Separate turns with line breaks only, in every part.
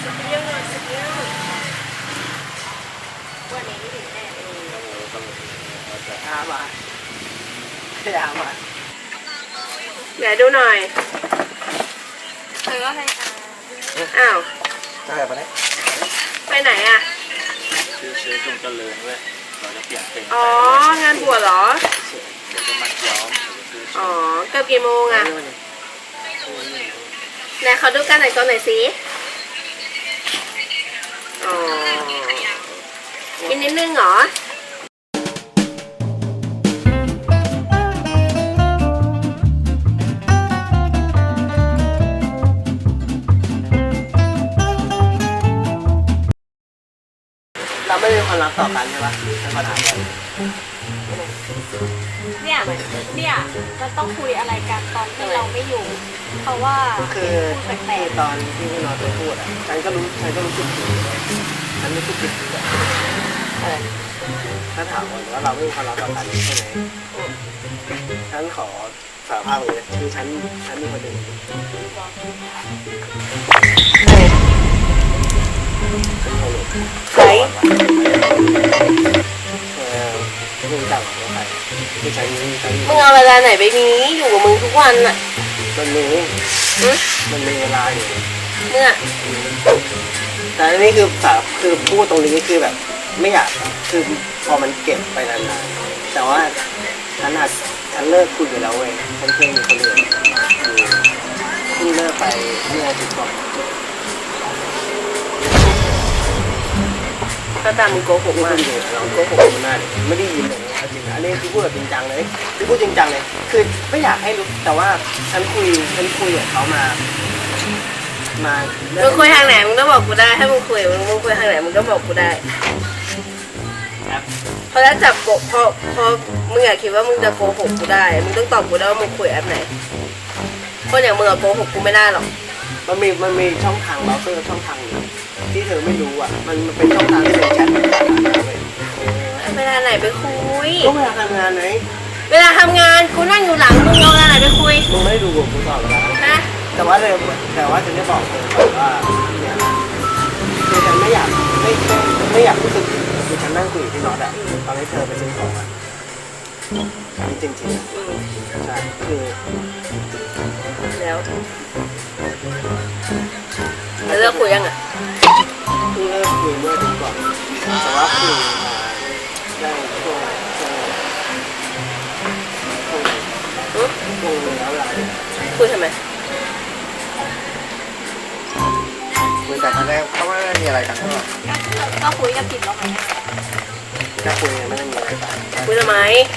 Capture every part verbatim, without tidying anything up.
เยอะเลยเยอะวันนี้ไม่ถึงแน่อามาอามาเดี๋ยวดูหน่อยเธอก็ให้อ้าวใช่ปะเนี่ยไปไหนอ่ะ
คือซื้อจงเจริญเว้ยเราจะเปลี่ยนเป็น
อ๋องานบวชเหรอ
เดี๋ยวจะมัดย้อม
อ๋อเกือบกี่โมงอ่ะไหนเขาดูกันหน่อยก่อนหน่อยสิอ๋อกินนิดนึงเหรอ
เราไม่มีความรักต่อกันใช่ปะเป็นปัญหาเลย
เนี่ยเนี่ยมันต้องคุยอะไรกันตอนที่เราไม่อยู่เพราะว่า
คือที่ตอนที่พี่นอนไปพูดอ่ะฉันก็รู้ฉันก็รู้สึกผิดฉันรู้สึกผิดอะไรถ้าถามว่าเราไม่มีความรักต่อกันใช่ไหมฉันขอสารภาพเลยคือฉันฉันมีคนหนึ่ง
ใคร
มึงจับว่าใครคือฉันฉัน
มึงเอาเวลาไหนไปมีอยู่กับมึงทุกวันอ่ะ
มันมีมันมีเวลาอยู่
เมื่อ
แต่อันนี้คือสาคือพูดตรงนี้คือแบบไม่อยากคือพอมันเก็บไปนานๆแต่ว่าฉันอาจฉันเลิกคุยไปแล้วเว้ยฉันเคยมีคนอื่นเพิ่งเลิกไปเมื่ออาทิตย์ก่อน
ก็ตามมึงโกหกมาก
เลยเราโกหกมันน่าไม่ได้ยินเลยจริงอันนี้คือพูดแบบจริงจังเลยคือพูดจริงจังเลยคือไม่อยากให้รู้แต่ว่าฉันคุยฉันคุยกับเขามามา
มึงคุยทางไหนมึงต้องบอกกูได้ถ้ามึงคุยมึงมึงคุยทางไหนมึงต้องบอกกูได้เพราะถ้าจับโกเพราะเพราะมึงอยากคิดว่ามึงจะโกหกกูได้มึงต้องตอบกูได้ว่ามึงคุยแอปไหนคนอย่างมึงอะโกหกกูไม่ได้หรอก
มันมีมันมีช่องทางเบราว์เซอร์ช่องทางนึงที่เธอไม่รู้อ่ะมันมันเป็นช่องทางที่เป็นแชท
เวลาไหนไปคุย
ก็เวลาทำงานไหน
เวลาทำงานกูนั่งอยู่หลังมึงเอาเวลาไหนไปคุย
มึงไม่ได้ดูกูตอบแล้ว
นะ
แต่ว่าเธอแต่ว่าฉันจะบอกเธอว่าเนี่ยคือฉันไม่อยากไม่ไม่ไม่อยากรู้สึกคือฉันนั่งคุยที่น็อตอ่ะตอนนี้เธอไปซื้อของอ่ะนี่จริงจริงใช่คือ
แล้วแล้วเลิกคุยยังอ่ะ
เพิ่งเลิกคุยเมื่อถึงก่อนแต่ว่าคุยได้ช่วงช่วงช่วงแล้วหลาย
คุยทำไม
คุยแต่ตอนแรกเขาไม่ได้มีอะไรกันเท่าไหร่
ก็คุยกับผิดแล้วไหม
ก็คุยไม่ได้มีอะไรกัน
คุยทำไม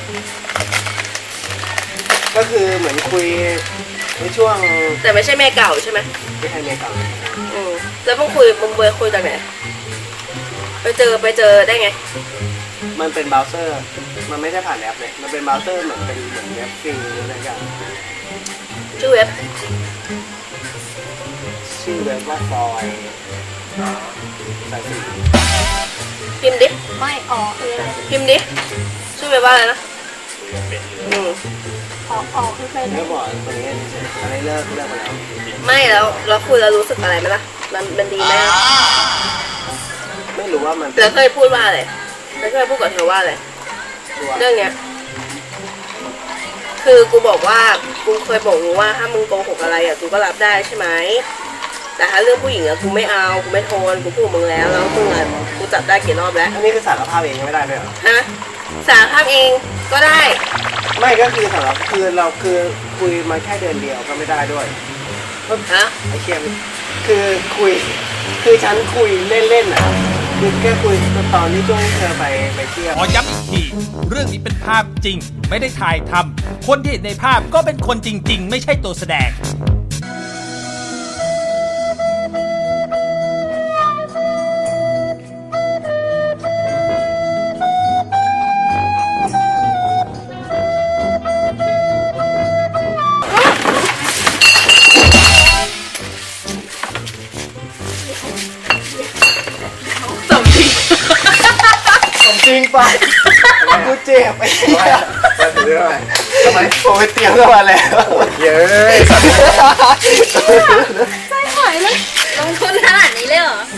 ก็คือเหมือนคุยในช่วง
แต่ไม่ใช่แม่เก่าใช่ไหม
ไม่ใช่แม่เก่า
อืมแล้วมึงคุยมึงเบอร์คุยจากไหนไปเจอไปเจอได้ไง
มันเป็นเบราว์เซอร์มันไม่ใช่ผ่านแอปเลยมันเป็นเบราว์เซอร์เหมือนเป็นเหมือนเว็บฟรีอะไรอย่าง
ชื่อเว็บ
ชื่อเว็บว่าฟอยสายสี
พิมพ์ดิไม่อ๋อคือพิมพ์ดิชื่อเว็บว่าอะไรนะอืมอ๋ออ๋อคือเป็น
ไม่บอกตัวนี้อะไรเลิกเลิกไปแล้ว
ไม่แล้วเราคุยแล้วรู้สึกอะไรไหมล่ะมันมันดีไหม
ไม่รู้ว่ามัน
แล้วเคยพูดว่าอะไรแล้วเคยพูดกับเธอว่าอะไรเรื่องเนี้ยคือกูบอกว่ากูเคยบอกมึงว่าถ้ามึงโกหกอะไรอ่ะกูก็รับได้ใช่ไหมแต่ถ้าเรื่องผู้หญิงอ่ะกูไม่เอากูไม่ทนกูพูดมึงแล้วแล้วมึงอ่ะกูจับได้กี่รอบแล้ว
อันนี้คือสารภาพเองไม่ได้ด้วยเหรอ
ฮะสารภาพเองก็ได้
ไม่ก็คือสารภาพคือเราคือคุยมาแค่เดือนเดียวก็ไม่ได้ด้วย
ฮะ
ไอเคียมคือคุยคือฉันคุยเล่นๆอ่ะคือแค่คุยตอนที่ช่วงเธอไปไปเที่ยว
ขอย้ำอีกทีเรื่องนี้เป็นภาพจริงไม่ได้ถ่ายทำคนที่เห็นในภาพก็เป็นคนจริงๆไม่ใช่ตัวแสดง
จริงป่ะกูเจ็บไอ้เหี้ยมาถึงเรื่องอะไรทำไมผมไปเตรียมเข้ามาแล้วเย้ย
ใจหายเลยลงทุนขนาดนี้เลยเหรอ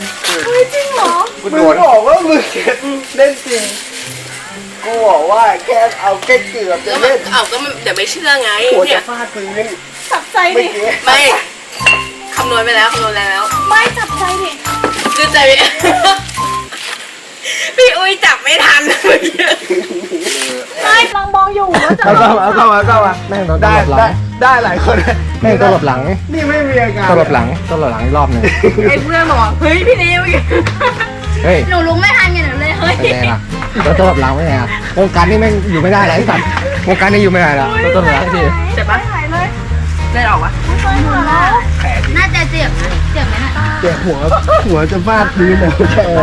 มึงบอกว่ามึงเล่นจริงกูบอกว่าแค่เอาแค่เกือบจะ
ก็มั
เล่
น
น
เอาก็มันเดี๋ยวไม่เชื่อไง
หัว
เนี่
จะ
ย
ฟาดพื้น
จับใจ
เมื่อ
ดิ
กี้
ไม่คำนวณไปแล้วคำนวณแล้ว
ไม่จับใจดิ
คือใจไม่ พี่อุ้ยจับไม่ทันเมื่อกี้
ไม่กำลังมองอยู่ว่าจะ
เอาเข้ามาเอาเข้ามาเอาเข้ามา
แม่งโดนต
ได้
ลบหลั
ได้
ง
ได้หลายคน
แม่งตลบหลัง
นี่ไม่มีอาการ
ตลบหลังตลบหลังอีกรอบหนึ่ง
ไอ้เพื่อนบอกว่าเฮ้ยพี่นิว
เฮ้ย
หนูลุกไม่ทันไงหนูเลยเฮ้ย
เป็นไงล่ะโดนตลบหลังไม่ไงอ่ะวงการนี้แม่งอยู่ไม่ได้แล้วไอ้สัตว์วงการนี้อยู่ไม่ได้แล้วโดนตลบหลังที
เจ็บปะ
หายเลย
เล่นออกปะ
ไม่เคยหัวแล้ว น่าจะเจ็บนะเจ็บไหมน่ะ
เจ็บหัวหัวจะฟาดพื้นเลยแค่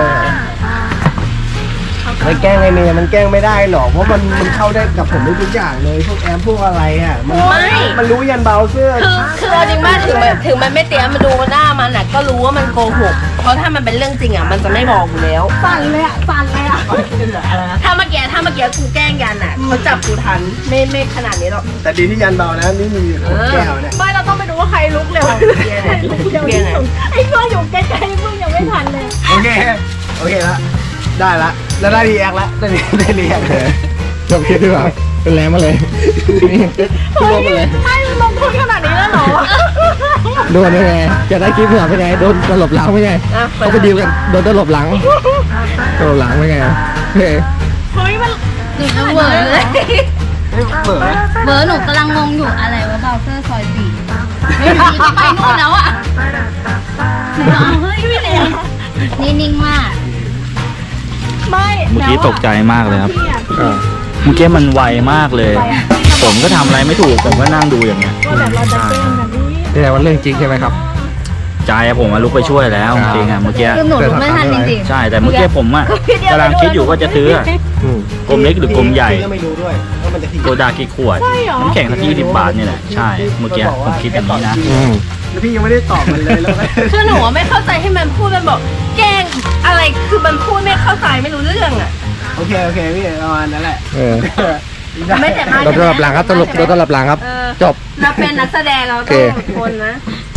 มันแกล้งไอ้เมย์มันแกล้งไม่ได้หรอกเพราะมันมันเข้าได้กับผมได้ทุกอย่างเลยพวกแอปพวกอะไรอ่ะมันมันรู้ยันเบราว์เซอร์
คือคือเอาจริงมากถึงมันถึงมันไม่เตรียมมาดูหน้ามันอ่ะก็รู้ว่ามันโกหกเพราะถ้ามันเป็นเรื่องจริงอ่ะมันจะไม่บอกอยู่แล้ว
สั่นเลยอ่ะสั่นเลยอ่ะ
ถ้าเมื่อกี้ถ้าเมื่อกี้กูแกล้งยันอ่ะเขาจับกูทันไม่ไม่ขนาดนี้หรอก
แต่ดีที่ยันเบานะนี่มีขวดแก้วเนี่ย
ไม่เราต้องไปดูว่าใครลุกเร็ว
เบียร์
ใครลุกเร็วที่สุดไอ้เพื่อนอยู่ใกล้ๆมึงยังไม่ทันเลย
โอเคโอเคละได้ละแล้วได้รีแอคละได้รีได้รีแอคเลย
จบคลิปดีกว่าเป็นแรงมาเลยนี่รวมมาเลย
ไม่ลงทุนขนาดนี้แล้วเหรอ
โดนได้ไงจะได้คลิปเหรอเป็นไงโดนตลบหลังไม่ไง
อ่ะ
เขาไปดีลกันโดนตลบหลังตลบหลังไม่ไงเฮ้ย
เฮ้ยมัน
หนูจะเหวอเลย
เปิด
เหวอหนูกำลังงงอยู่อะไรวะเบราว์เซอร์ซอยสี่ไม่ดีจะไปนู่นแล้วอ่ะหนูเอาเฮ้ยไม่เลยนี่นิ่งมาก
ไม่
เมื่อกี้ตกใจมากเลยครับ
พี่อ่ะ
อ่า
เมื่อกี้มันไวมากเลย ผมก็ทำอะไรไม่ถูก ผมก็นั่งดูอย่างเงี้ย
ว่าแบบเราจะแกล้งแบบนี้
นี่แหละว่าเรื่องจริงใช่ไหมครับ
ใจอะผมมาลุกไปช่วยแล้วจริงๆอะเมื่อกี้
คือหนูลุกไม่ทันจริง
ใช่ แต่เมื่อกี้ผมอะกำลังคิดอยู่ว่าจะซื้ออะ
อืม
กลมเล็กหรือกลมใหญ่
ก็ไม่รู้ด้วยว่ามันจะ
โซดากี่ขวด น้ำแข็งสักยี่สิบบาทนี่แหละ ใช่ เมื่อกี้ผมคิดอย่างนี้นะ
อืม
แล้วพี่ยังไม่ได้ตอบมันเลยแล้วก็
คือหนูอะไม่เข้าใจให้มันพูดมันบอกแกล้งอะไรคือมันพูดไม่เข้าใจไม่รู้เรื่องอ่ะ
โอเคโอเคพี่ประมาณนั้นแหละ
เออ
ไม่แต่มาก
โดนตลบหลังครับตลบโดนตลบหลังครับ
เออ
จบ
เราเป็นนักแสดงเรา
โอ
ต้
เค
องทนนะ